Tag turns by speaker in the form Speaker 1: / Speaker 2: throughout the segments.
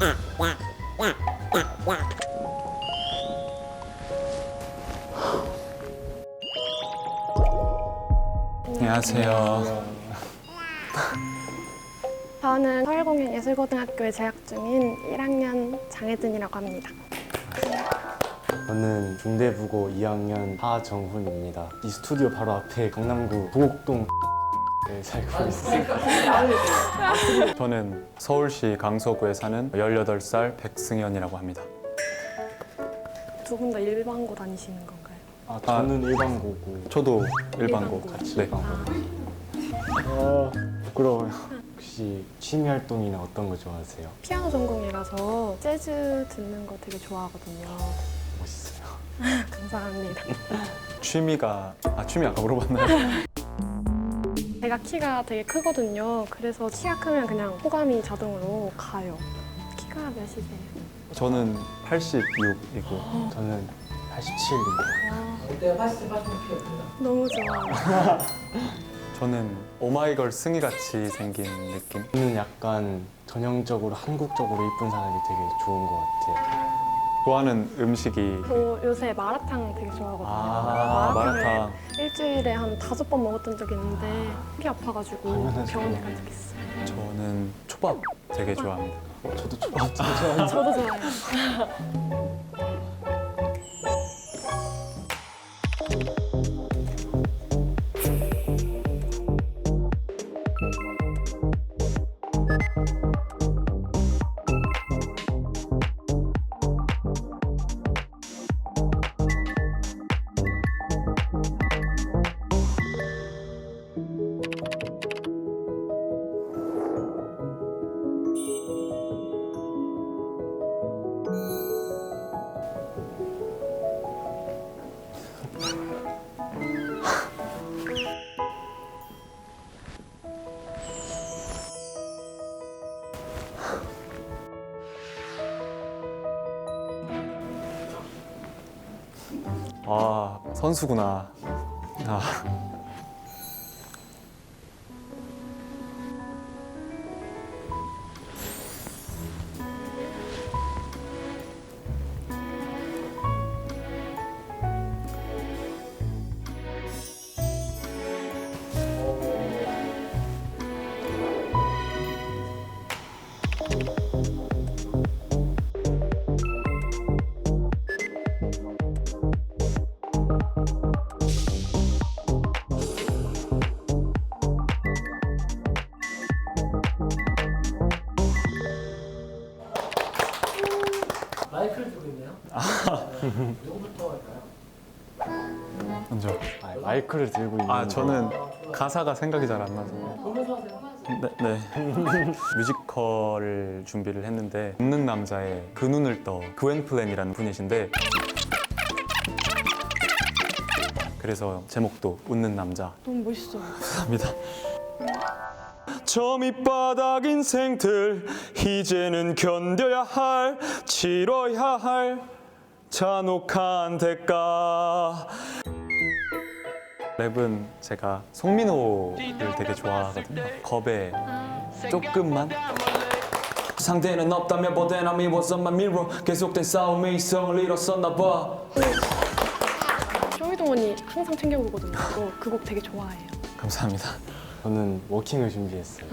Speaker 1: 안녕하세요.
Speaker 2: 저는 서울공연예술고등학교에 재학 중인 1학년 장혜진이라고 합니다.
Speaker 3: 저는 중대부고 2학년 하정훈입니다. 이 스튜디오 바로 앞에 강남구 도곡동 에 살고 있어요.
Speaker 1: 저는 서울시 강서구에 사는 18살 백승현이라고 합니다.
Speaker 2: 두 분 다 일반고 다니시는 건가요?
Speaker 3: 저는 일반고고
Speaker 1: 저도 일반고.
Speaker 3: 같이
Speaker 1: 네.
Speaker 3: 일반고. 부끄러워요. 혹시 취미 활동이나 어떤 거 좋아하세요?
Speaker 2: 피아노 전공이라서 재즈 듣는 거 되게 좋아하거든요.
Speaker 3: 멋있어요.
Speaker 2: 감사합니다.
Speaker 1: 취미 아까 물어봤나요?
Speaker 2: 제가 키가 되게 크거든요. 그래서 키가 크면 그냥 호감이 자동으로 가요. 키가 몇이세요?
Speaker 1: 저는 86이고
Speaker 3: 저는 87입니다.
Speaker 4: 이때 80 피었습니다.
Speaker 2: 너무 좋아요.
Speaker 1: 저는 오마이걸 승희같이 생긴 느낌?
Speaker 3: 저는 약간 전형적으로 한국적으로 이쁜 사람이 되게 좋은 것 같아요.
Speaker 1: 좋아하는 음식이
Speaker 2: 저 요새 마라탕 되게 좋아하거든요.
Speaker 1: 마라탕.
Speaker 2: 일주일에 한 5번 먹었던 적이 있는데 속이 아파가지고
Speaker 3: 당연하죠.
Speaker 2: 병원에 간 적 있어요.
Speaker 1: 저는 초밥 되게 좋아합니다.
Speaker 3: 저도 초밥 진짜 좋아해요.
Speaker 2: 저도 좋아해요.
Speaker 1: 아, 선수구나.
Speaker 4: 마이크를 들고 있네요. 누구부터 할까요?
Speaker 1: 먼저.
Speaker 3: 마이크를 들고 있는
Speaker 1: 저는 가사가 생각이 잘 안 나서.
Speaker 4: 보면서 하세요.
Speaker 1: 네. 뮤지컬을 준비를 했는데 웃는 남자의 그 눈을 떠 그웬 플랜이라는 분이신데 그래서 제목도 웃는 남자.
Speaker 2: 너무 멋있어요.
Speaker 1: 감사합니다. 저 밑바닥 인생들 이제는 견뎌야 할 치러야 할 잔혹한 대가. 랩은 제가 송민호를 되게 좋아하거든요. 겁에 조금만. 상대는 없다면 보된 I was on my mirror. 계속된 싸움에 이성을 잃었었나 봐.
Speaker 2: 쇼미더머니 항상 챙겨보거든요. 그 곡 되게 좋아해요.
Speaker 1: 감사합니다.
Speaker 3: 저는 워킹을 준비했어요.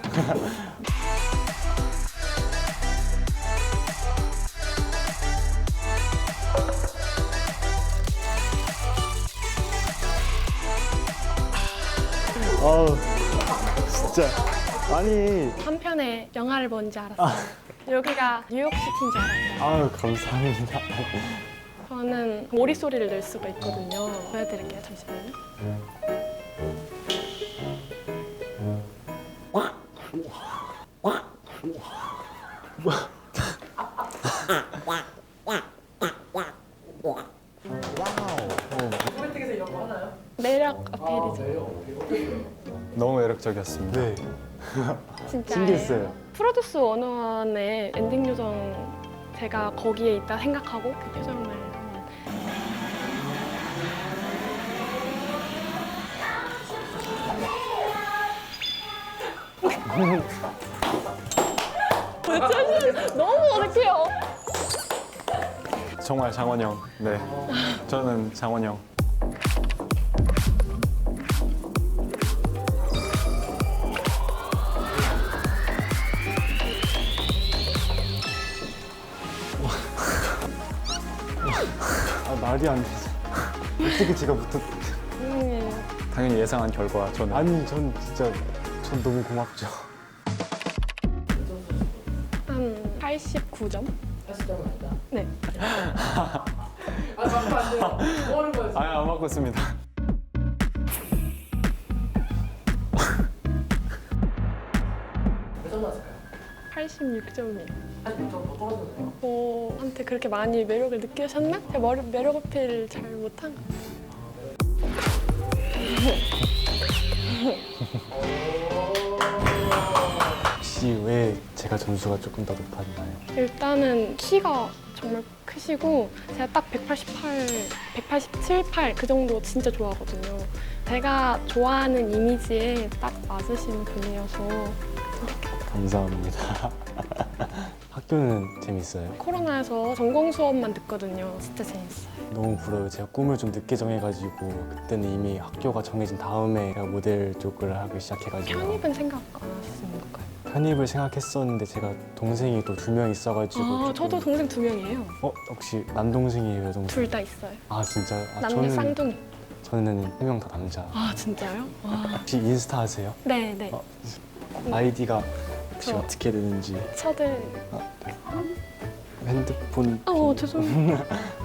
Speaker 3: 진짜 아니
Speaker 2: 한편의 영화를 뭔지 알았어요. 여기가 뉴욕시티인 줄 알았어요.
Speaker 3: 감사합니다.
Speaker 2: 저는 오리 소리를 낼 수가 있거든요. 보여드릴게요. 잠시만요.
Speaker 4: 소개팅에서 이런 거 하나요?
Speaker 2: 매력 어필이죠.
Speaker 1: 너무 매력적이었습니다.
Speaker 3: 네,
Speaker 2: 진짜.
Speaker 3: 신기했어요.
Speaker 2: 프로듀스 101의 엔딩 요정 제가 거기에 있다 생각하고 그 표정을 한번. 너무 어색해요.
Speaker 1: 정말 장원영. 네, 저는 장원영.
Speaker 3: 아, 말이 안 되죠. 어떻게 제가 붙었...
Speaker 1: 당연히 예상한 결과 저는
Speaker 3: 아니, 전 진짜 전 너무 고맙죠.
Speaker 2: 한 89점?
Speaker 4: 80점은 아니다.
Speaker 2: 네.
Speaker 4: 아, 바꾸면 안 돼요. 뭐 하는 거예요?
Speaker 1: 아예 안 바꿨습니다.
Speaker 4: 몇 점 맞을까요?
Speaker 2: 86점이에요.
Speaker 4: 80점 더 떨어졌네요.
Speaker 2: 한테 그렇게 많이 매력을 느끼셨나? 제가 매력 어필 잘 못한 것 같아요.
Speaker 3: 혹시 왜 제가 점수가 조금 더 높았나요?
Speaker 2: 일단은 키가 정말 크시고 제가 딱 187, 8 그 정도 진짜 좋아하거든요. 제가 좋아하는 이미지에 딱 맞으신 분이어서
Speaker 3: 감사합니다. 학교는 재밌어요?
Speaker 2: 코로나에서 전공 수업만 듣거든요. 진짜 재밌어요.
Speaker 3: 너무 부러워요. 제가 꿈을 좀 늦게 정해가지고 그때는 이미 학교가 정해진 다음에 제가 모델 쪽을 하기 시작해가지고
Speaker 2: 편입은 생각 안 하시는 건가요?
Speaker 3: 편입을 생각했었는데 제가 동생이 또 2명 있어가지고
Speaker 2: 아,
Speaker 3: 조금-
Speaker 2: 저도 동생 2명이에요.
Speaker 3: 혹시 남동생이에요, 여동생?
Speaker 2: 둘 다 있어요.
Speaker 3: 아 진짜요?
Speaker 2: 남녀 쌍둥이.
Speaker 3: 저는 3명 다 남자.
Speaker 2: 아, 진짜요? 와.
Speaker 3: 혹시 인스타 하세요?
Speaker 2: 네, 네.
Speaker 3: 아이디가 혹시
Speaker 2: 저-
Speaker 3: 어떻게 되는지
Speaker 2: 저들.
Speaker 3: 핸드폰
Speaker 2: 죄송해요.